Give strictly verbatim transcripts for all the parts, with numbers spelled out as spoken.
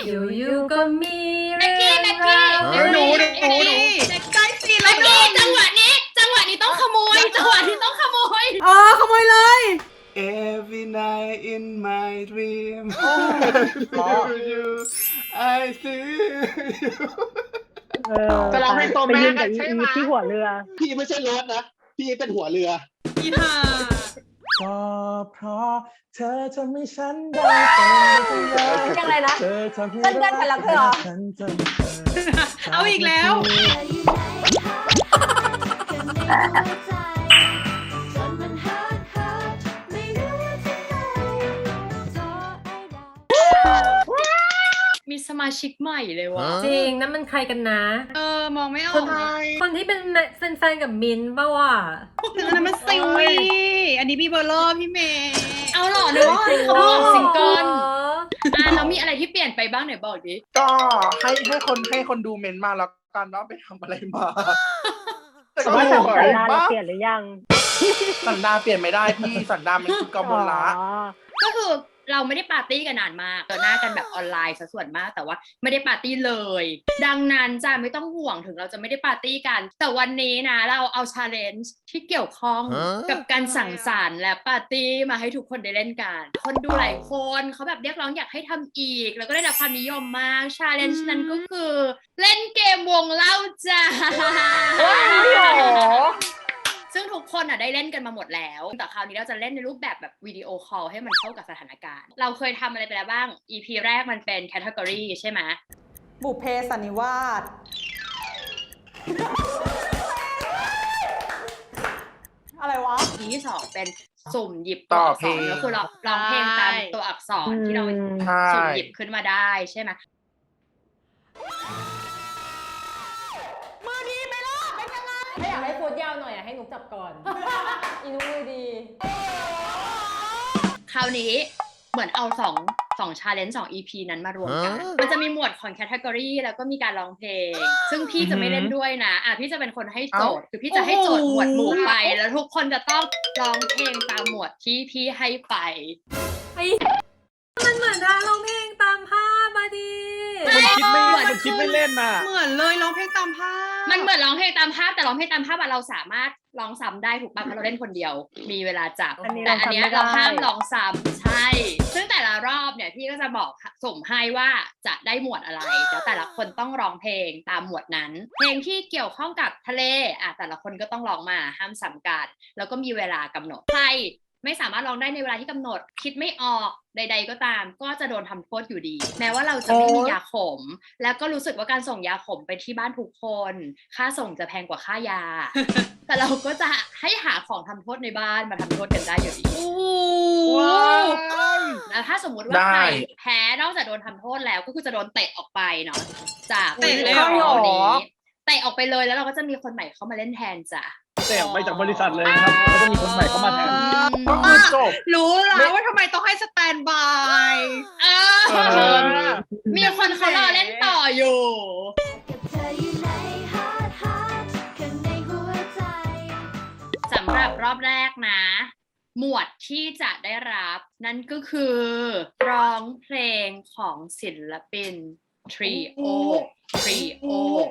อยู่ๆก็มีเรื่แม็กกี้องแม็กกี้ราวเฮ้ยหนูหนูหนูหนูใกล้สิแม็กกี้จังหวะนี้ จังหวะนี้ต้องขโมย จังหวะนี้ต้องขโมยเออขโมยเลย Every night in my dream เพราะ you I see you เออจะร้องเพลงตัวแม่ไปยืนกักับนอีใช่ไหมอีที่หัวเรือพี่ไม่ใช่รถนะ พี่เป็นหัวเรืออีห่าก็เพราะเธอทำให้ฉันได้เป็นตัวอย่างยังไงนะเธอทำให้เต้นได้ไปแล้วเธอเหรอฉันจนเธอเอาอีกแล้ว มีสมาชิกใหม่เลยวะจริงนั่นมันใครกันนะเออ มองไม่อคอน กเลยคนที่เป็นแฟนๆกับมินท์ป่าวะอันนั้นมันซิวีอันนี้บีเบอร์เลอร์พี่เมย์เอาหรอเนอะเขาบอกซิงเกิลอ๋ออ่ะแล้วมีอะไรที่เปลี่ยนไปบ้างไหนบอกดิก็ให้ให้คนให้คนดูเมนต์มาแล้วกันว่าไปทำอะไรมาแต่ว่าสันสวดาย นปะเราเปลี่ยนหรือยังสันดานเปลี่ยนไม่ได้พี่สันดานมันคือกมลละอ๋อก็คือเราไม่ได้ปาร์ตี้กันนานมากเจอหน้ากันแบบออนไลน์ซะส่วนมาก แต่ว่าไม่ได้ปาร์ตี้เลย ดังนั้นจ้าไม่ต้องห่วงถึงเราจะไม่ได้ปาร์ตี้กัน แต่วันนี้นะเราเอาชาเลนจ์ที่เกี่ยวข้องกับการสั่งสรรค์และปาร์ตี้มาให้ทุกคนได้เล่นกัน คนดูหลายคนเขาแบบเรียกร้องอยากให้ทำอีก แล้วก็ได้รับความนิยมมากชาเลนจ์นั้นก็คือเล่นเกมวงเล่าจ้า ซึ่งทุกคนอ่ะได้เล่นกันมาหมดแล้ว แต่คราวนี้เราจะเล่นในรูปแบบแบบวิดีโอคอลให้มันเข้ากับสถานการณ์ เราเคยทำอะไรไปแล้วบ้าง อี พี แรกมันเป็นแคตตากรีใช่ไหมบุพเพสันนิวาส อะไรวะอี พีที่สองเป็นสุ่มหยิบต่ออักเพษลรง ก็คือเราร้องเพลงตามตัวอักษรที่เราใช่สุ่มหยิบขึ้นมาได้ใช่ไหมถ้าอยากให้โพสยาวหน่อยอะให้หนุกจับก่อน อีนุ้ยดีคราวนี้เหมือนเอาสองสองชาเลนจ์สอง อี พี นั้นมารวมกัน มันจะมีหมวดของแคตตากรีแล้วก็มีการร้องเพลง ซึ่งพี่จะไม่เล่นด้วยนะอ่ะพี่จะเป็นคนให้โจทย์ คือพี่จะให้โจทย์หมวดหมู่ไป แล้วทุกคนจะต้องร้องเพลงตามหมวดที่พี่ให้ไปไอ้มันเหมือนทางร้องเพลงตามภาพมาดีมันคิดไม่มันคิดไม่เล่นน่ะเหมือนเลยร้องเพลงตามภาพมันเหมือนร้องเพลงตามภาพแต่ร้องเพลงตามภาพอะเราสามารถร้องซ้ำได้ถูกป่ะเพราะเราเล่นคนเดียว มีเวลาจับอันนี้แต่อันเนี้ยเราเราซ้ำไม่ได้ห้ามร้องซ้ำใช่ ซึ่งแต่ละรอบเนี่ยพี่ก็จะบอกส่งให้ว่าจะได้หมวดอะไรแล้วแต่ละคนต้องร้องเพลงตามหมวดนั้น เพลงที่เกี่ยวข้องกับทะเลอ่ะแต่ละคนก็ต้องร้องมาห้ามซ้ำกันแล้วก็มีเวลากำหนดใครไม่สามารถร้องได้ในเวลาที่กำหนด คิดไม่ออกใด ๆ ก็ตาม ก็จะโดนทำโทษอยู่ดี แม้ว่าเราจะไม่มียาขม แล้วก็รู้สึกว่าการส่งยาขมไปที่บ้านทุกคน ค่าส่งจะแพงกว่าค่ายา แต่เราก็จะให้หาของทำโทษในบ้านมาทำโทษกันได้อยู่ดีว้าวแล้วถ้าสมมุติว่าได้ใครแพ้นอกจากโดนทำโทษแล้วก็คือจะโดนเตะออกไปเนาะจากเตะเลยวิดีเหรโออนี้เตะออกไปเลยแล้วเราก็จะมีคนใหม่เข้ามาเล่นแทนจ้ะแต่ออกไปจากบริษัทเลยนะครับแล้วก็มีคนใหม่เข้ามาแทนก็คือจบรู้แล้วว่าทำไมต้องให้สแตนบายเอเอออมีคนเขารอเล่นต่ออยู่ สำหรับรอบแรกนะ หมวดที่จะได้รับนั่นก็คือร้องเพลงของศิลปินทรีโอทรีโอ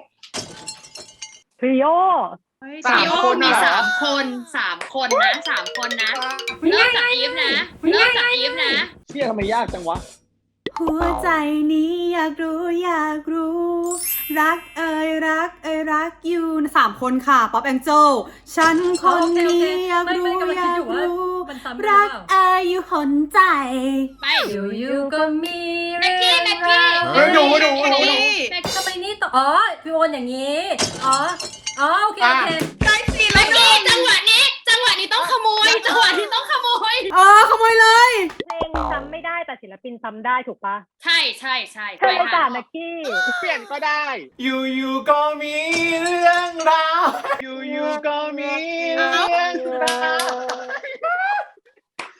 ทริโอทรีโอสามคนมีเหรอสามคนสามคนนะสามคนนะเริ่มจากอีฟนะเริ่มจากอีฟนะเชี่ยทำไมยากจังวะหัวใจนี้อยากรู้อยากรู้ รักเอ่ยรักเอ่ยรักอยู่สามคนค่ะป๊อปแองเจิลฉันคนนี้อยากรู้อยากรู้รักเอ่ยอยู่หนใจไปอยู่ๆก็มีแม็กกี้แม็กกี้เฮ้ยหนูหนูหนูแม็กหนูกี้แม็กทำไมนี่ต่ออ๋อพี่โอนอย่างนี้อ๋ออ๋อโอเคโอเคใกล้สิแม็กกี้จังหวะนี้จังหวะนี้ต้องขโมยจังหวะนี้ต้องขโมยอ๋อขโมยเลยเพลงซ้ำไม่ได้แต่ศิลปินซ้ำได้ถูกปะใช่ใช่ใช่เธอโอกาสนะกี้เปลี่ยนก็ได้อยู่ๆก็มีเรื่องราวอยู่ๆก็มีเรื่องราว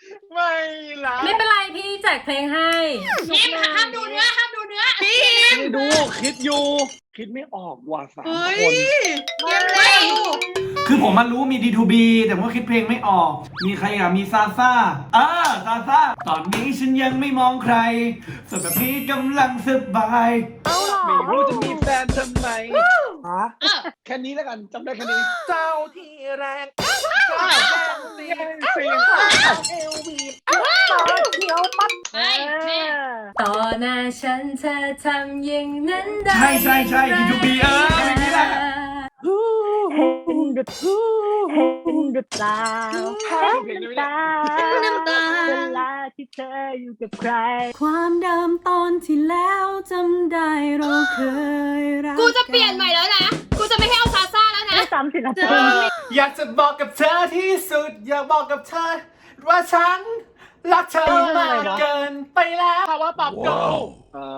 ไม่ละไม่เป็นไรพี่แจกเพลงให้พิมพ์ห้ามดูเนื้อห้ามดูเนื้อพิมพ์ดู คิดอยู่ คิดไม่ออกว่ะสามเฮ้ยคนเกมเร็วคือผมมันรู้มี ดี ทู บี แต่ผมก็คิดเพลงไม่ออก มีใครอ่ะ มีซาซ่าเออซาซ่า ตอนนี้ฉันยังไม่มองใครส่วนแบบนี้กำลังสบายเอาหรอไม่รู้จะมีแฟนทำไมฮะเออแค่นี้แล้วกันจำได้แค่นี้เจ้าที่แรงเจ้าแจ้งสีเสียงเอลวีต่อเขียวปั๊บเฮ้ยแม่ต่อหน้าฉันเธอทำอย่างนั้นได้ใช่ใช่ใช่ ดี ทู บี เออเพลงนี้แหละเห็นหรือเห็นหรือเปล่าเห็นน้ำตาน้ำตาเวลาที่เธออยู่กับใครความเดิมตอนที่แล้วจำได้เราเคยรักกูจะเปลี่ยนใหม่แล้วนะ กูจะไม่ให้เอาซาซ่าแล้วนะไม่ซ้ำศิลปินอยากจะบอกกับเธอที่สุด อยากบอกกับเธอ ว่าฉันรักเธอมากเกินไปแล้วภาวะปรับโกเอ่อ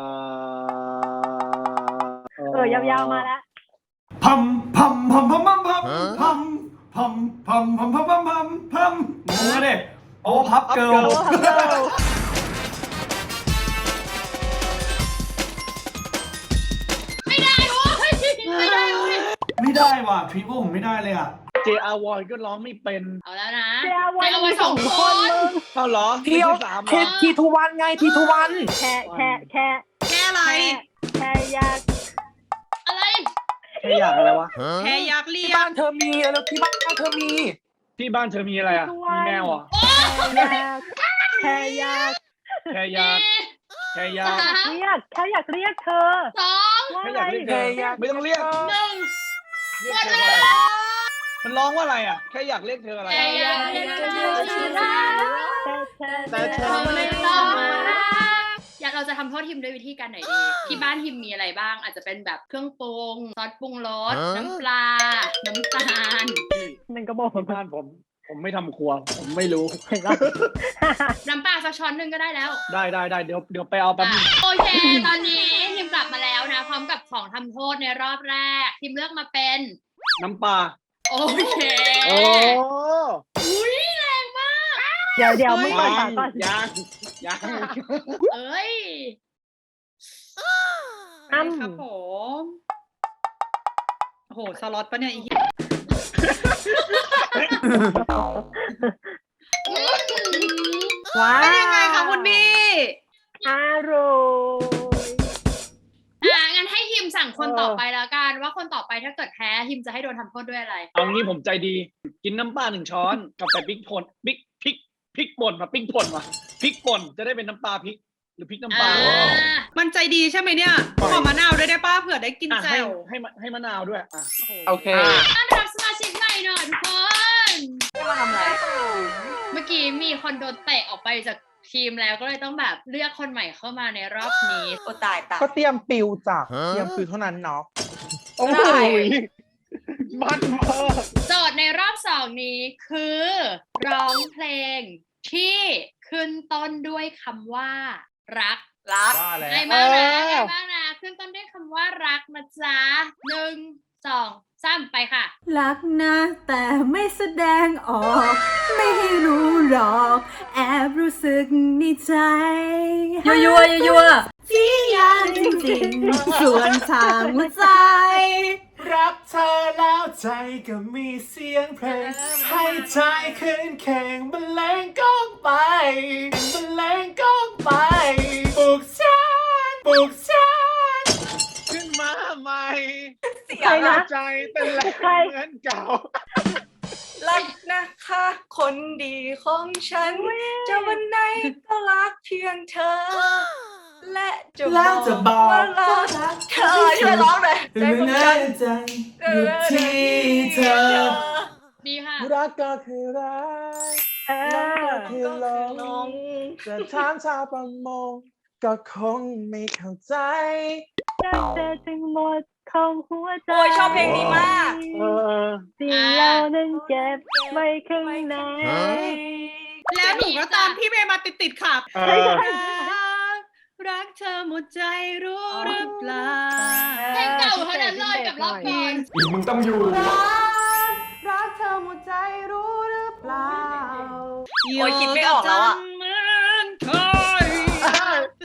เออยาวๆมาแล้วพัมพัมพัมพัมพัมพัมพัมพัมพัมพัมพัมพัมพัมพัมงงเลยโอ้พับเกิลโอ้ฮัลโหลไม่ได้โว้ยไม่ได้โว้ยไม่ได้ว่ะทริปผมไม่ได้เลยอ่ะเจอาวอยก็ร้องไม่เป็นเอาแล้วนะเจ้าไปวันเอาไว้สองคนมึงเท่าเหรอเที่ยวสามเหรเทอทีทุวันไงทีทุวันแค่แค่แค่แค่อะไรแค่อยากอะไรแค่อยากอะไรวะแค่อยากเรีที่ยบ้าก นเธอมีแล้วที่บ้านเธอมีที่บ้านเธอมีอะไรอ่ะ มีแมวอ่ะแค่อยากแค่อยากแค่อยาก แค่อยากสามเรียกแค่อยากเรียกเธอสองว่าแค่อะอไรยากเรียกเธอไม่ต้องเรียกหนึ่งเรียกเธออะไรมันร้องว่าอะไรอ่ะ แค่อยากเรียกเธออะไรแค่อยากเรียกเธอที่รักแต่เธอแต่เธอไม่ต้องมาอยากเราจะทำโทษทิมด้วยวิธีการไหนดี ที่บ้านทิมมีอะไรบ้าง อาจจะเป็นแบบเครื่องปรุง ซอสปรุงรส น้ำปลา น้ำตาลมันก็บอกที่บ้านผม ผมไม่ทำครัว ผมไม่รู้เห็นปะน้ำปลาสักช้อนหนึ่งก็ได้แล้วได้ได้ได้เดี๋ยวเดี๋ยวไปเอาแป๊บนึงโอเค ตอนนี้ทิมกลับมาแล้วนะ พร้อมกับของทำโทษในรอบแรก ทิมเลือกมาเป็นน้ำปลาโอเคโอ้อุ้ยแรงมากเดี๋ยวเดี๋ยวมึงเปิดยัฝาง ก่อนยังยังเอ้ยอ้ำครับผม โอ้โห สล็อตปะเนี่ยอีกว้าเป็นยังไงคะคุณพี่อร่อยอ่ะงั้นให้ทิมสั่งคนต่อไปแล้วกัน ว่าคนต่อไปถ้าเกิดแพ้ทิมจะให้โดนทำโทษด้วยอะไรเอางี้ผมใจดี กินน้ำปลาหนึ่งช้อนกับแต่พริกป่นพริกพริกพริกป่นมาพริกป่นมาพริกป่นจะได้เป็นน้ำปลาพริก หรือพริกน้ำปลาอ่ามันใจดีใช่ไหมเนี่ยขอมะนาวด้วยได้ป้าเผื่อได้กินอ่ะแจ่ให้วให้มะให้มะนาวด้วยอ่ะโอเคต้อนรับสมาชิกใหม่หน่อยทุกคนมาทำอะไรเมื่อกี้มีคนโดนเตะออกไปจากทีมแล้วก็เลยต้องแบบเลือกคนใหม่เข้ามาในรอบนี้โอ้ตายตายก็เตรียมปิวจ้ะเตรียมปิวเท่านั้นเนาะโอ้ยมันมากโจทย์ในรอบสองนี้คือ ร้องเพลงที่ขึ้นต้นด้วยคำว่า รักรักว่าแล้วง่ายมากนะง่ายมากนะขึ้นต้นด้วยคำว่ารักนะจ๊ะหนึ่งสองสามไปค่ะรักนะแต่ไม่แสดงออก ไม่ให้รู้หรอก แอบรู้สึกในใจยัวยัวยัวที่ยากจริงๆส่วนทางหัวใจรักเธอแล้วใจก็มีเสียงเพลง ให้ใจขึ้นแข่งบรรเลงก้องไปบรรเลงก้องไปปลุกฉันปลุกฉันขึ้นมาใหม่ใครนะใจเต้นแรงใครเหมือนเก่ารักนะคะ คนดีของฉัน จะวันไหนก็รักเพียงเธอ และจะแล้วจะบอกว่ารักเธอช่วยร้องหน่อยใจของฉันใจอยู่ที่เธอดีค่ะรักก็คือรักเอรักอก็คือหลงจะถามชาวประมงก็คงไม่เข้าใจจะเจอถึงหมดของหัวใจโอ้ยชอบเพลงนี้มากเออสิ่งเรานั้นเก็บไว้ข้างในแล้วหนูก็ตามพี่เมย์มาติดๆค่ะเอใช่อใช่รักรักเธอหมดใจรู้หรือเปล่าเพลงเก่าเท่านั้นเลยกับรอบก่อนอีกมึงต้องอยู่รักเธอหมดใจรู้หรือเปล่าโอ้ยคิดไม่ออกแล้วอ่ะเหมือนเคยรัก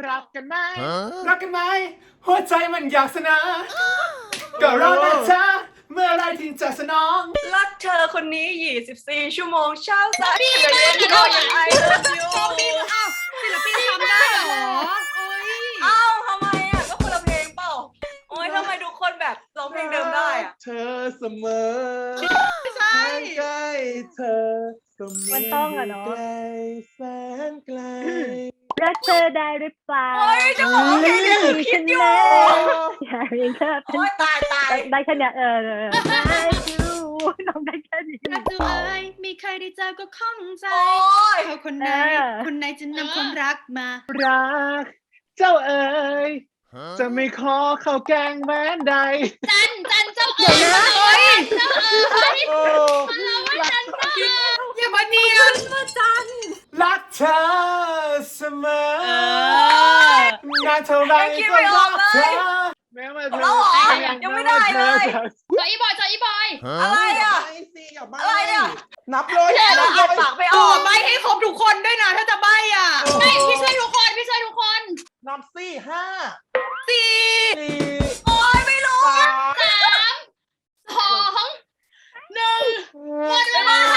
รักกันไหมรักกันไหมหัวใจมันอยากสนาก็รอแต่เธอเมื่อไรที่จะสนองรักเธอคนนี้ยี่สิบสี่ชั่วโมงเช้าสายเย็นก็ยังไอเลิฟยูอ้าวศิลปินทำได้เหรอโอ้ยอ้าวทำไมอ่ะก็คนละเพลงเปล่าโอ้ยทำไมทุกคนแบบร้องเพลงเดิมได้อ่ะเธอเสมอไม่ใช่ใกล้เธอก็มันต้องอะเนาะไกลแสนไกลรักเธอได้หรือเปล่าโอ้ยจะบอกว่าเพลงนี้คือคิดอยู่อยากเห็นเธอโอ้ยตายตายได้แค่เนี้ยเออเออได้ดูน้องได้แค่นี้รักตัวเอ้ยมีใครได้เจอก็ข้องใจโอ้ยเขาคนไหนเออคนไหนจะนำความรักมารักเจ้าเอ๋ยจะไม่ขอเข้าแกงแม้นใดจันจันเจ้าเอ๋ยเจ้าเอ๋ยโอ้เราว่าจันเจ้าเอ๋ยอย่ามาเนียนมาจันรักเธอเสมอเออนานเท่าไรก็รักเธอแม้ว่าเอาแล้วเหรอยังไม่ได้เลยจอยอีบอยจอยอีบอยอะไรอ่ะไม่สิอย่าใบ้อะไรอ่ะนับเลยแล้วนับอ่านเลยปากไม่อต่ออก ใบให้ครบทุกคนด้วยนะถ้าจะใบอ่ะไม่พี่ช่วยทุกคนพี่ช่วยทุกคนนับสี่ห้าสี่สี่โอ้ยไม่รู้สามสามสองหนึ่งหมดเวลา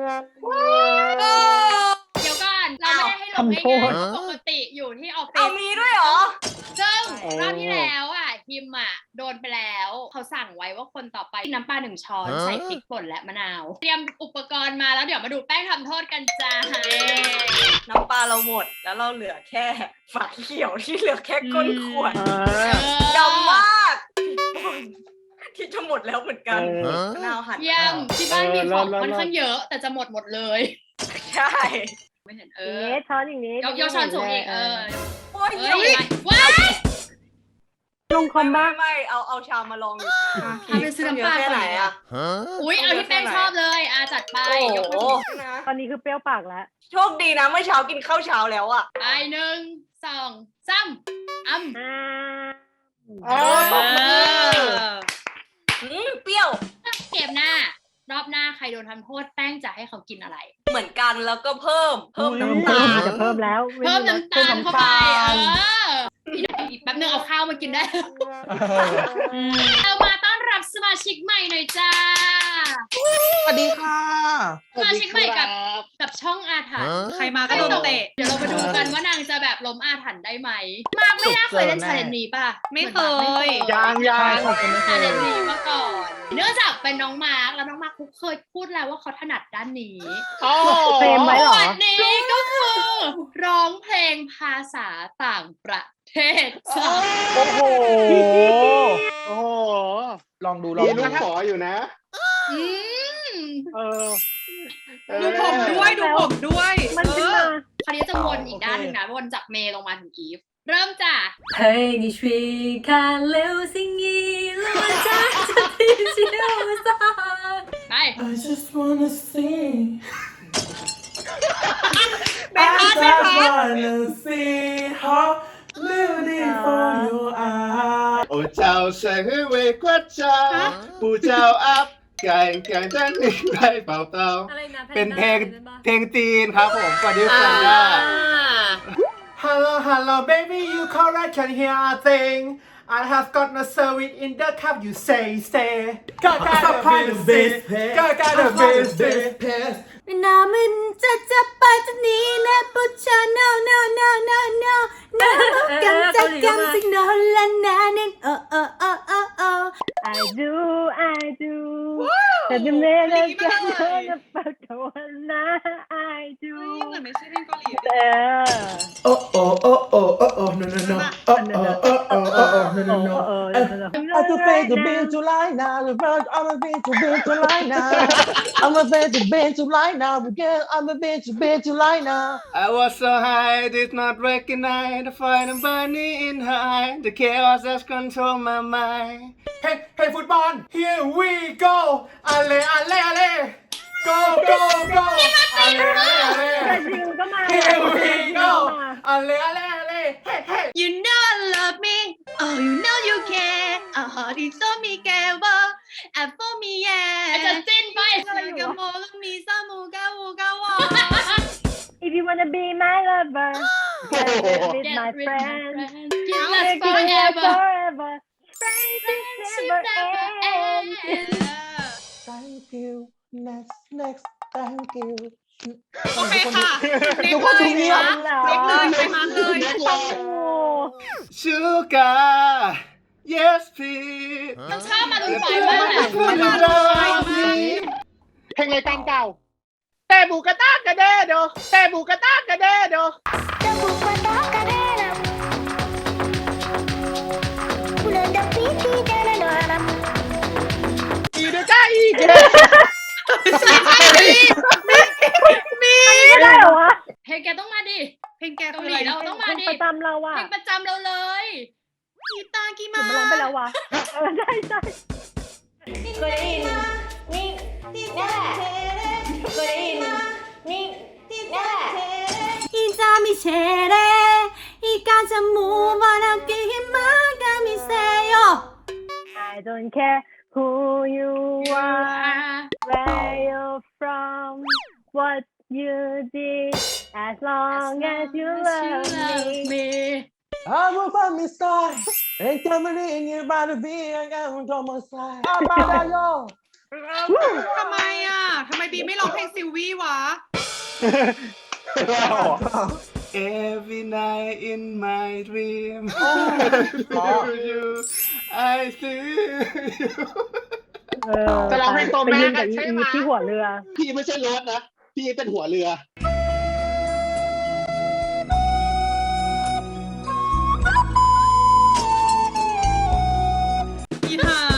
เดี๋ยวก่อนเราไม่ได้ให้ลงง่ายๆปกติอยู่ที่ออฟฟิเอาศมีด้วยเหรอซึ่งรอบที่แล้วอ่ะฮิมอ่ะโดนไปแล้วเขาสั่งไว้ว่าคนต่อไปน้ำปลาหนึ่งช้อนใส่พริกป่นและมะนาว เตรียมอุปกรณ์มาแล้วเดี๋ยวมาดูแป้งทำโทษกันจ้าน้ำปลาเราหมดแล้วเราเหลือแค่ฝาเขียวที่เหลือแค่ก้นขวดดำมากที่จะหมดแล้วเหมือนกันมะนาวหั่นเยี่ยมที่บ้านมีของค่อนข้างเยอะ แต่จะหมดหมดเลยใช่ไม่เห็นเออย่างอนี้ช้อนอย่างนี้ยกยกช้อนสูงอีกเออโอ้ยเอ้เยี่ยยมว้ายลงคอมบ้างไม่เอาเอาชามมาลองดูทำเป็นซื้อน้ำปลาแค่ไหนอ่ะอุ้ยเอาที่แป้งชอบเลยอาจัดไปโอ้ยกโหมาตอนนี้คือเปรี้ยวปากแล้วโชคดีนะเมื่อเช้ากินข้าวเช้าแล้วอ่ะไปหนึ่งสองสามอ้ำอ๋ออืมเปรี้ยวเกมหน้ารอบหน้าใครโดนทำโทษแป้งจะให้เขากินอะไรเหมือนกันแล้วก็เพิ่ม เพิ่มน้ำตาลจะเพิ่มแล้วเพิ่มน้ำตาลเข้าไปเอออีกแป๊บนึงเอาข้าวมากินได้เรามาต้อนรับสมาชิกใหม่หน่อยจ้าสวัสดีค่ะสมาชิกใหม่กับกับช่องอาถรรพ์ใครมาก็โดนเตะเดี๋ยวเรามาดูกันว่านางจะแบบล้มอาถรรพ์ได้ไหมมากไม่น่าเคยเล่นชาเลนจ์นี้ป่ะไม่เคยยางยางชาเลนจ์นี้มาก่อน เนื่องจากเป็นน้องมาร์คแล้วน้องมาร์คเขาเคยพูดแล้วว่าเขาถนัดด้านนี้เฟรมไว้เหรอวันนี้ก็คือร้องเพลงภาษาต่างประเทศจ้ะโอ้โหโอ้โหลองดูลองมีดูลูกขออยู่นะอืมเออดูผมด้วยดูผมด้วยมันขึ้นมาคราวนี้จะวนอีกด้านหนึ่งนะวนจากเมย์ลงมาถึงอีฟ เริ่มจ้ะ陪你去看流星雨，落在这地球上。 ไป I just wanna see ไม่พลาดไม่พลาด wanna see how beautiful you are โอ้เจ้าใส่ให้เวกว่าเจ้าผู้เจ้าอัพไก่ไก่จันนี่ไรเปล่าเปล่าอะไรนะเป็นเพลงเพลงจีนครับผมสวัสดีค่ะ Hello Hello baby you correct can hear a thing I have got no service in the cup you say say Got got the best Got got the best นามันจะจะไปจะนี้นะปุ๊บชา no no no no no no กันจะกันสิโนละนานึง oh oh oh oh oh I do I do แต่จะไม่ได้กันนะปักวันนะ I do เหมือนไม่ใช่เพลงเกาหลีเออ Oh oh oh oh oh oh no no no oh oh oh oh oh oh no no no I to pay the bill to lie now the first I'm a bill to bill to lie now I'm a bill to bill to lie now because I'm a bill to bill to lie now I was so high, did not recognize the fire burning in her eye. The chaos has controlled my mind. Hey, hey, football, here we go. Ale, ale, ale. Go, go, go. Ale, ale, แต่ ale. จริงก็มา Here we go. Ale, ale, ale. Hey, hey. You know I love me Oh you know you care A heart is so me care And for me อาจจะ yeah สิ้นไปกะโมกะมีซามูกะวูกะวอ If you wanna be my lover Get with my with friends. friends. Give We're us gonna live forever. forever. Friendship Friendship never never ends. ends. thank you next next thank you โอเคค่ะทุกคนดูเงียบเล็กเลยไปมาเลยเล็กเลยโอ้ Sugar yes please ต้องชอบมาดูไฟมากเลยเพลงรายการเก่าแต่บูกระตากกระเดโดแต่บูกระตากกระเดโด อีเดก้าอีเกไม่ได้เหรอวะเพลงแกต้องมาดิเพลงแกเกาคือหอะลีไรเราต้องมาเป็นดิประจำเราอะเพลงประจำเราเลยกีตาร์กีถึมางมันร้องไปแล้ววะเออใช่ใช่เคยได้ยินนี่นี่แหละเคยได้ยินนี่นี่แหละ 이잠이 세레 이까지 무만하게 힘만 감이 세요 I don't care who you are where you're from what you did as long as you love me I will find me star and come in your body be I got on my side I'm out yo ทำไมอ่ะทำไมบีไม่ร้องเพลงซิลวี่วะ Every night in my dream you I see you เออจะร้องเพลงตัวไปแม่ยืนกักับนอีใช่อีไหมที่หัวเรือพี่ไม่ใช่รถนะ พี่เป็นหัวเรืออีห่า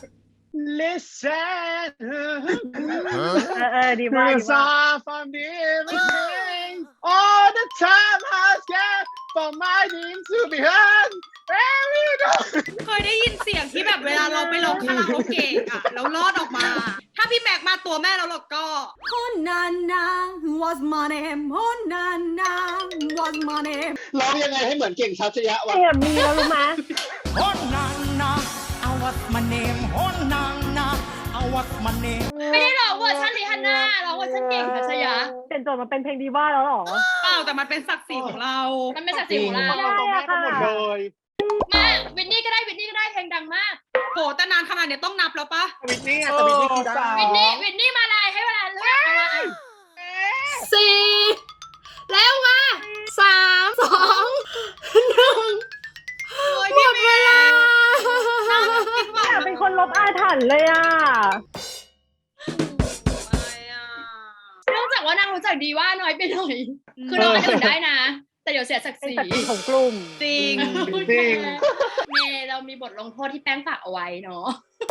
Listen เออเออดีมากดี Cause มาก I'm from the evening All the time I scared for my dreams to be heard Where you go เคยได้ยินเสียงที่แบบเวลาเราไปร้องคาราโอเกะอะแล้วรอดออกมา ถ้าพี่แม็กมาตัวแม่แล้วเราก็ Oh na na what's my name Oh na na what's my name ร้องยังไงให้เหมือนเก่งชัชยะวะเอ็มมีแล้วรู้ไหม Oh na na I what's my name Oh na na I what's my name ไม่ได้ร้องเวอร์ชันริฮันน่าร้องเวอร์ชันเก่งทัชยะเป็นโจทย์มาเป็นเพลงดีว่าแล้วเหรอเปล่าแต่มันเป็นศักดิ์ศรีของเรามันไม่ศักดิ์ศรีของเราไม่ได้อะค่ะเลยมาวินนี่ก็ได้วินนี่ก็ได้เพลงดังมากโหแต่นานขนาดเนี้ยต้องนับแล้วปะวินนี่อะแต่วินนี่คือได้วินนี่วินนี่มาลายให้เวลาเลือกเอามาอ่ะสี่แล้วมาสามสองหนึ่งโอ้ยพี่เวลาคิดว่าอยากเป็นคนลบอาถรรพ์เลยอ่ะเนื่องจากว่านางรู้จักดีว่าน้อยไปหน่อย คือน้องอันอื่นได้นะ แต่เดี๋ยวเสียศักดิ์ศเป็นรีศักดิ์ศรีของกลุ่มจริงจริงเมย์เรามีบทลงโทษที่แป้งฝากเอาไว้เนาะ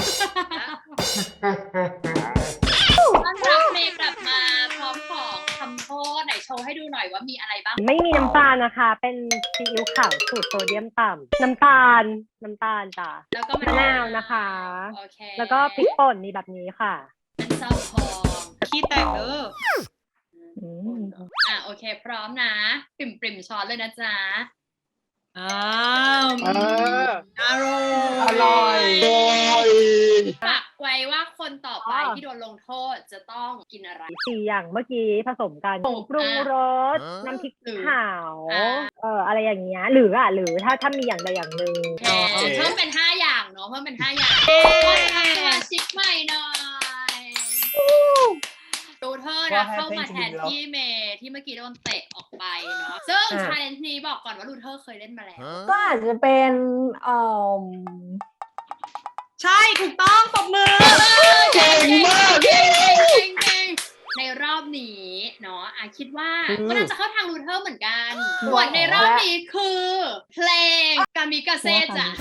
ต้อนรับเมย์กลับมาพร้อมของคำโทษไหนโชว์ให้ดูหน่อยว่ามีอะไรบ้างไม่มีน้ำตาลนะคะ เป็นซีอิ๊วขาวสูตรโซเดียมต่ำน้ำตาล น้ำตาลจ้ะแล้วก็มะนาวนะคะโอเคแล้วก็พริกป่นมีแบบนี้ค่ะเป็นซอสทองขี้แตกเด้ออืมอ่ะโอเค พร้อมนะ ปริ่มปริ่มช้อนเลยนะจ๊ะอ้าวเอออร่อยอร่อยโอ้ยฝากไว้ว่าคนต่อไปที่โดนลงโทษจะต้องกินอะไรสี่อย่างเมื่อกี้ผสมกันโอ้ปรุงรสอ่าน้ำพริกหรือขาวอ่าเอ่ออะไรอย่างเงี้ย หรืออ่ะ หรือถ้าถ้ามีอย่างใดอย่างหนึ่งโอเคเพิ่มเป็นห้าอย่างเนาะเพิ่มเป็นห้าอย่างคนรับสมาชิกใหม่หน่อยดูเธอนะเข้ามาแทนที่เมย์ที่เมื่อกี้โดนเตะออกไปเนาะซึ่งชาเลนจ์นี้บอกก่อนว่าลูเทอร์เคยเล่นมาแล้วก็อาจจะเป็นเอ่อใช่ถูกต้องตบมือเก่งมากเก่งเก่งเก่งในรอบนี้เนาะอาคิดว่าก็น่าจะเข้าทางลูเทอร์เหมือนกันบทในรอบนี้คือเพลงกามิกาเซ่จ้ะ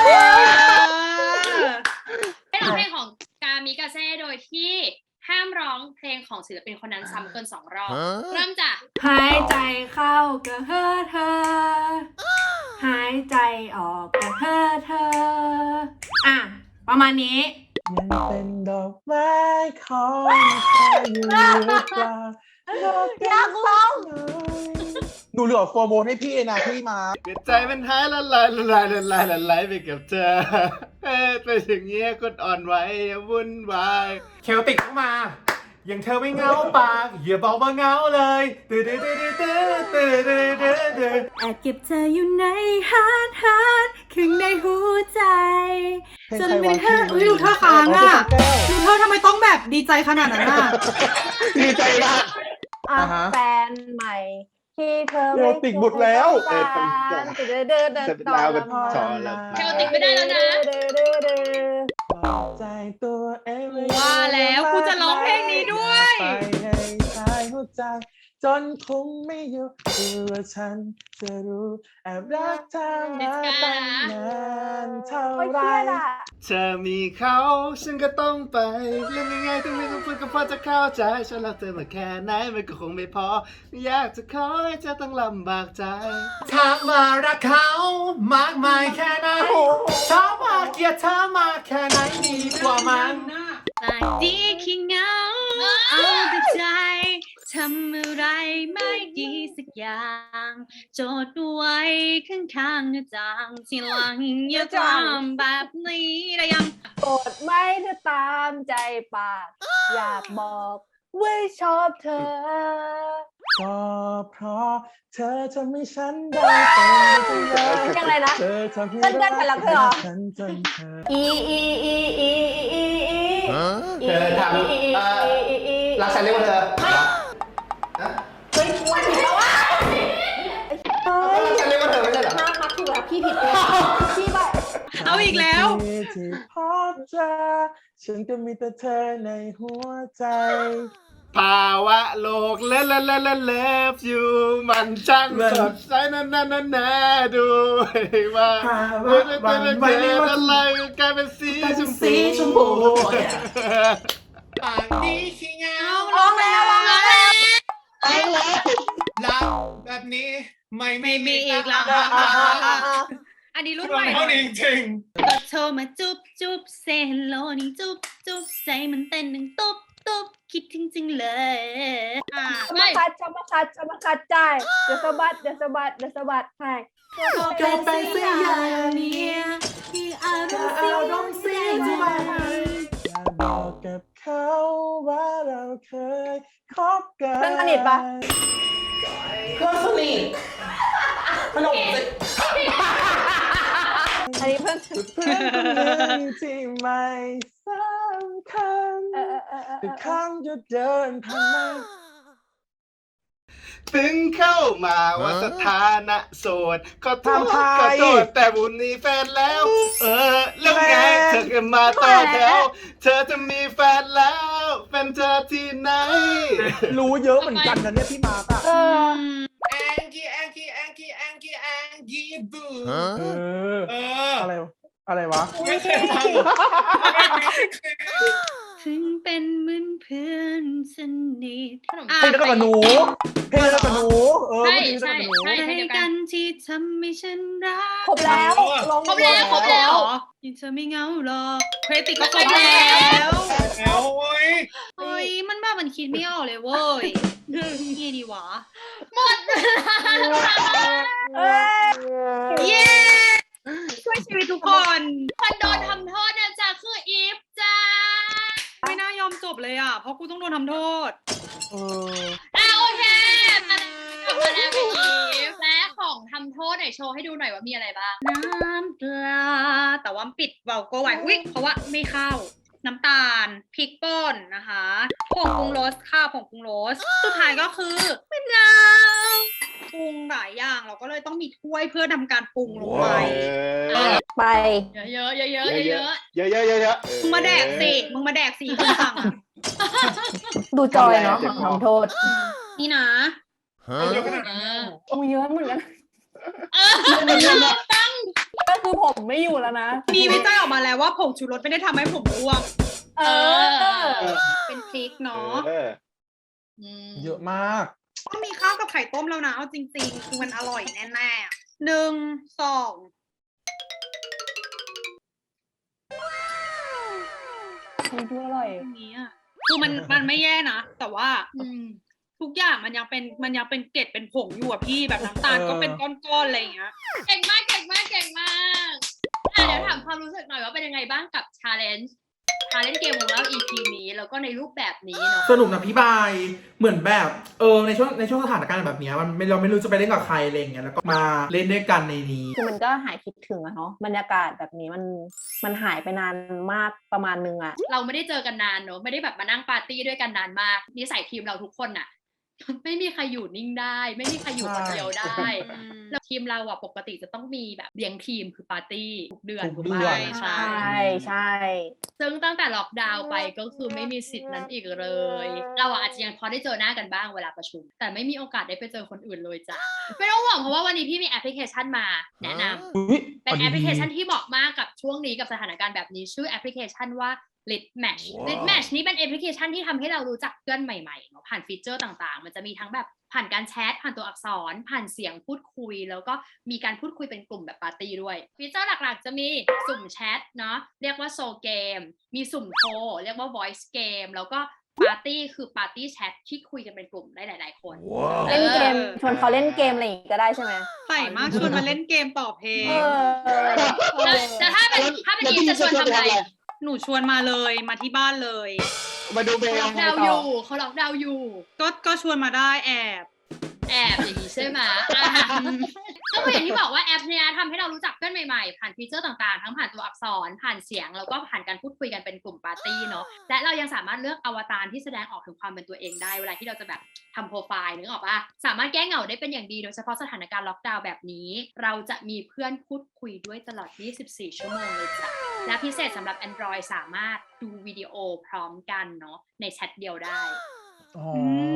ให้ร้องเพลงของกามิกาเซ่โดยที่ห้ามร้องเพลงของศิลปินคนนั้นซ้ำเกินสองรอบเริ่มจากหายใจเข้าก็เฮ้อเธอ หายใจออกก็เฮ้อเธอ อ่ะ ประมาณนี้ยังเป็นดอกไม้ของเธออยู่หรือเปล่าอยากร้องหนูเหลือโฟร์โมนให้พี่นะพี่มาเกิดใจมันหายละลายละลายละลายละลายไปกับเธอเอ้ยเป็นอย่างเงี้ยคนอ่อนไหวอย่าวุ่นวายเคลติกเข้ามายังเธอไม่เหงาปากอย่าบอกว่าเหงาเลยตื่นตื่นตื่นตื่นตื่นตื่นตื่นตื่นแอบเก็บเธออยู่ในฮาร์ดฮาร์ดข้างในหัวใจเพลงจนใครเป็นวะแค่ชื่ออุ้ยดูท่าค้างอ่ะแก้วดูเธอทำไมต้องแบบดีใจขนาดนั้นอ่ะดีใจมากอ่ะอ่าฮะแฟนใหม่ที่เธอโรติกหมดแล้วเออเดินเดินเดินเสร็จแล้วเป็นจอแล้วเทลติกไม่ได้แล้วนะเดินเดินเดินบอกใจตัวเองว่าแล้วกูจะร้องเพลงนี้ด้วยไปในชายหัวใจ จนคงไม่อยู่คือว่าฉันจะรู้แอบรักเธอมาตั้งนานเท่าโอ้ยไรเครียดอ่ะเธอมีเขาฉันก็ต้องไปเรื่องง่ายๆต้องไม่ต้องพูดก็พอจะเข้าใจฉันรักเธอมาแค่ไหนมันก็คงไม่พอไม่อยากจะขอให้เธอต้องลำบากใจถามว่ารักเขามากมายแค่ไหนถามว่าเกลียดเธอมากแค่ไหนดีกว่ามันปากดีขี้เหงาเอาแต่ใจทำอะไรไม่ดีสักอย่างโจทย์ไว้ข้างๆหน้าต่างทีหลังอย่าทำแบบนี้ได้ยังโกรธไม่เธอตามใจปาก อยากบอกว่าชอบเธอก็เพราะเธอทำให้ฉันได้เป็นเธอยังไงนะเธอทำให้เต้นเต้นแผ่นหลังเธอเหรอฉันจนเธออีอีอีอีอีอีอีเธอทำเอ่อ รักฉันเรียกว่าเธอเฮ้ยวันผิดแล้วว่ะเฮ้ยรักฉันเรียกว่าเธอไม่ใช่เหรอมามาถูกแล้วพี่ผิดเองพี่ไปเอาอีกแล้วที่พบเจอฉันก็มีแต่เธอในหัวใจภาวะโลกเล่นเล่นเล่นเล่นเลิฟอยู่มันช่างสดใสนั่นนั่นนั่นน่าดูว่าภาวะเมื่อเมื่อหวั่นไหวเกิไม่ดว่าอะไรกลายเป็นสีชมสีชมพู ปากดีขี้เหงาร้องแล้วร้องแล้วรักแบบนี้ไม่ไม่มีอีกแล้วอ่ะอ่ะอ่ะอ่ะอันนี้รุ่นร้อใหงม่เท่านี้จริงก็โทรมาจุ๊บจุ๊บเซฮัลโหลนี่จุ๊บจุ๊บใจมันเต้นหนึ่งตุ๊บตุ๊บคิดถึงจริงเลยอ่ะชมาคัดชมาคัดชมาคัดใจเดี๋ยวสะบัดเดี๋ยวสะบัดเดี๋ยวสะบัดให้ก็เป็นเสียอย่างนี้ที่อารมณ์เสียอารมณ์เสียใจอยากบอกกับเขาว่าเราเคยคบกันเพื่อนสนิทปะเพื่อนสนิทขนมสิอันนี้เพื่อนเพื่อนคนหนึ่งที่ไม่สำคัญเออเออเออเอแต่อครั้งจะเดินผ่านมาถึงเข้ามาว่าสถานะโสดขอโทษทำไทยขอโทษแต่บุญนี้แฟนแล้ว เออแล้วไงเธอก็มาต่อแถวเธอจะมีแฟนแล้วแฟนเธอที่ไหนรู้เยอะเหมือนกันนะเนี่ยพี่มาร์กอะเออแองกี้แองกี้แองกี้แองกี้แองกี้บูเออเอออะไรวะอะไรวะไม่เคยฟังถึงเป็นเหมือนเพื่อนสนิทเพลงเดียวกันกับหนูเพลงเดียวกันกับหนูเออใช่เพลงเดียวกันกับหนูใช่ใจกันที่ทำให้ฉันรักครบแล้วลงครบแล้วครบแล้วยิ่งเธอไม่เหงาหรอกเครติกก็ครบแล้วแล้วโอ้ยเฮ้ยมันบ้ามันคิดไม่ออกเลยเว้ยเงี้ยดีวะเอ้ยเย้ช่วยชีวิตทุกคนคนโดนทำโทษนะจ๊ะคืออีฟจ้าไม่น่ายอมจบเลยอ่ะ เพราะกูต้องโดนทำโทษเอออ่ะโอเคมาแล้วกลับมาแล้วพี่อีฟและของทำโทษไหนโชว์ให้ดูหน่อยว่ามีอะไรบ้างน้ำปลา แต่ว่าปิดเบาโกไว้อุ๊ยเพราะว่าไม่เข้า น้ำตาล พริกป่นนะคะผงปรุงรสค่ะผงปรุงรส สุดท้ายก็คือมะนาวปรุงหลายอย่างเราก็เลยต้องมีถ้วยเพื่อทำการปรุงลงไปไปเยอะๆเยอะๆเยอะๆเยอะเยอะเยอะเยอะมึงมาแดกสิ มึงมาแดกสิคุณสั่งอะดูจอยเนาะทำโทษนี่นะเยอะขนาดนั้นโอ้เยอะเหมือนกันเออตั้งก็คือผมไม่อยู่แล้วนะมีวิจัยออกมาแล้วว่าผงชูรสไม่ได้ทำให้ผมร่วงเออเป็นพริกเนาะเออเยอะมากต้องมีข้าวกับไข่ต้มแล้วนะ เอาจริงๆ คือมันอร่อยแน่ๆอะหนึ่งสองดูอร่อยอย่างนี้อ่ะคือมันมันไม่แย่นะ แต่ว่าทุกอย่างมันยังเป็นมันยังเป็นเกล็ดเป็นผงอยู่อะพี่แบบน้ำตาลเออก็เป็นก้อนๆอะไรอย่างเงี้ยเก่งมากเก่งมากเก่งมากอ่ะเดี๋ยวถามความรู้สึกหน่อยว่าเป็นยังไงบ้างกับชาเลนจ์มาเล่นเกมของเรา อี พี นี้แล้วก็ในรูปแบบนี้เนาะสนุกนะพี่บายเหมือนแบบเออในช่วงในช่วงสถานการณ์แบบเนี้ยมันไม่เราไม่รู้จะไปเล่นกับใครอะไรอย่างเงี้ยแล้วก็มาเล่นด้วยกันในนี้คือมันก็หายคิดถึงอะเนาะบรรยากาศแบบนี้มันมันหายไปนานมากประมาณนึงอะเราไม่ได้เจอกันนานเนาะไม่ได้แบบมานั่งปาร์ตี้ด้วยกันนานมากนิสัยทีมเราทุกคนน่ะ ไม่มีใครอยู่นิ่งได้ ไม่มีใครอยู่คนเดียวได้แล้วทีมเราอ่ะปกติจะต้องมีแบบเลี้ยงทีมคือปาร์ตี้ทุกเดือนทุถูกกเดืไหมอนใช่ใช่ใช่ซึ่งตั้งแต่ล็อกดาวน์ไปก็คือไม่มีสิทธิ์นั้นอีกเลย เราอะอาจจะยังพอได้เจอหน้ากันบ้างเวลาประชุม แต่ไม่มีโอกาสได้ไปเจอคนอื่นเลยจ้ะไม่ต้องห่วงเพราะว่าวันนี้พี่มีแอปพลิเคชันมาแนะนำอุ๊ยเป็นแอปพลิเคชันที่เหมาะมากกับช่วงนี้กับสถานการณ์แบบนี้ชื่อแอปพลิเคชันว่า Lit Match Lit Match นี้เป็นแอปพลิเคชันที่ทำให้เรารู้จักเพื่อนใหม่ๆเนาะผ่านฟีเจอร์ต่างๆมันจะมีทั้งแบบผ่านการแชทผ่านตัวอักษร ผ่านเสียงพูดคุยแล้วก็มีการพูดคุยเป็นกลุ่มแบบปาร์ตี้ด้วยฟีเจอร์หลักๆจะมีสุ่มแชทเนาะเรียกว่าโซเกมมีสุ่มโทรเรียกว่า voice game แล้วก็ปาร์ตี้คือปาร์ตี้แชทที่คุยกันเป็นกลุ่มได้หลายๆคนเล่นเกมชวนเขาเล่นเกมอะไรอย่างงี้ก็ได้ใช่ไหมใส่มากชวนมาเล่นเกมต่อเพลงเออแล้วแต่ถ้าเป็นถ้าเป็นอีฟจะชวนทำอะไรหนูชวนมาเลยมาที่บ้านเลยมาดูเบลเขาล็อกดาวน์อยู่เขาล็อกดาวน์อยู่ก็ก็ชวนมาได้แอบแอบอย่างนี้ใช่ไหมอ่ะก็คืออย่างที่บอกว่าแอปเนี้ยทำให้เรารู้จักเพื่อนใหม่ๆ ผ่านฟีเจอร์ต่างๆ ทั้งผ่านตัวอักษร ผ่านเสียง แล้วก็ผ่านการพูดคุยกันเป็นกลุ่มปาร์ตี้เนาะ และเรายังสามารถเลือกอวตารที่แสดงออกถึงความเป็นตัวเองได้ เวลาที่เราจะแบบทำโปรไฟล์นึกออกปะสามารถแก้เหงาได้เป็นอย่างดี โดยเฉพาะสถานการณ์ล็อกดาวน์แบบนี้ เราจะมีเพื่อนพูดคุยด้วยตลอด ยี่สิบสี่ ชั่วโมงเลยจ้ะ และพิเศษสำหรับ Android สามารถดูวิดีโอพร้อมกันเนาะในแชทเดียวได้อ๋อ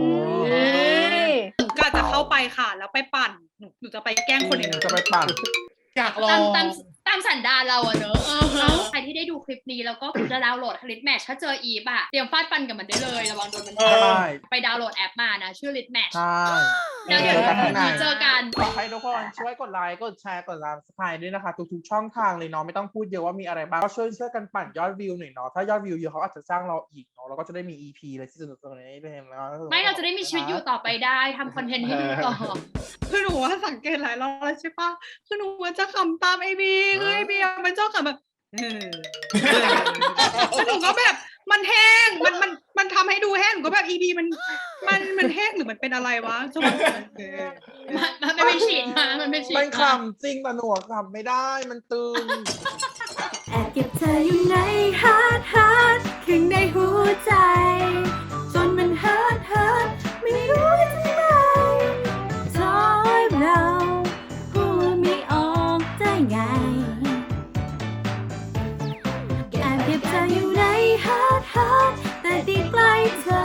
หนูก็จะเข้าไปค่ะ แล้วไปปั่นหนูหนูจะไปแกล้งคนอื่นจะไปปั่นอยากลอตามงตามตามสันดานเราอะเนอะเออใครที่ได้ดูคลิปนี้แล้วก็จะดาวน์โหลด Lit Match ถ้าเจออีฟอะเตรียมฟาดฟันกับมันได้เลยระวังโดนมันใช่ไปดาวน์โหลดแอปมานะ ชื่อ Lit Match ใช่แล้วเดี๋ยวเจอกันข้างในเจอกันขอให้ทุกคนช่วยกดไลค์ กดแชร์ กด Subscribe ด้วยนะคะ ทุกๆช่องทางเลยเนาะไม่ต้องพูดเยอะว่ามีอะไรบ้าง ก็ช่วยช่วยกันปั่นยอดวิวหน่อยเนาะถ้ายอดวิวเยอะเขาอาจจะจ้างเราอีกเนาะเราก็จะได้มี อี พี อะไรที่สนุกๆในนี้ด้วยเนาะไม่เราจะได้มีชีวิตอยู่ต่อไปได้ทำคอนเทนต์ให้ดูต่อคือหนูว่าสังเกตหลายรอบแล้วใช่ปะคือหนูว่าจะขำตามไอบีคือไอบีมันชอบขำแบบเออแล้วหนูก็แบบมันแห้งมันมันมันทำให้ดูแห้งหนูก็แบบอีบีมันมันมันแห้งหรือมันเป็นอะไรวะจังหวะเออมันมันไม่ฉีดมามันไม่ฉีดมันมาขำจริงแต่หนูอะขำไม่ได้มันตึงแอบเก็บเธออยู่ในฮาร์ดฮาร์ดข้างในหัวใจ จนมันฮาร์ดฮาร์ดไม่รู้จะทำไมทอยเราพูดไม่ออกได้ไงแอบเก็บเธออยู่ในฮาร์ดฮาร์ดแต่ดีใกล้เธอ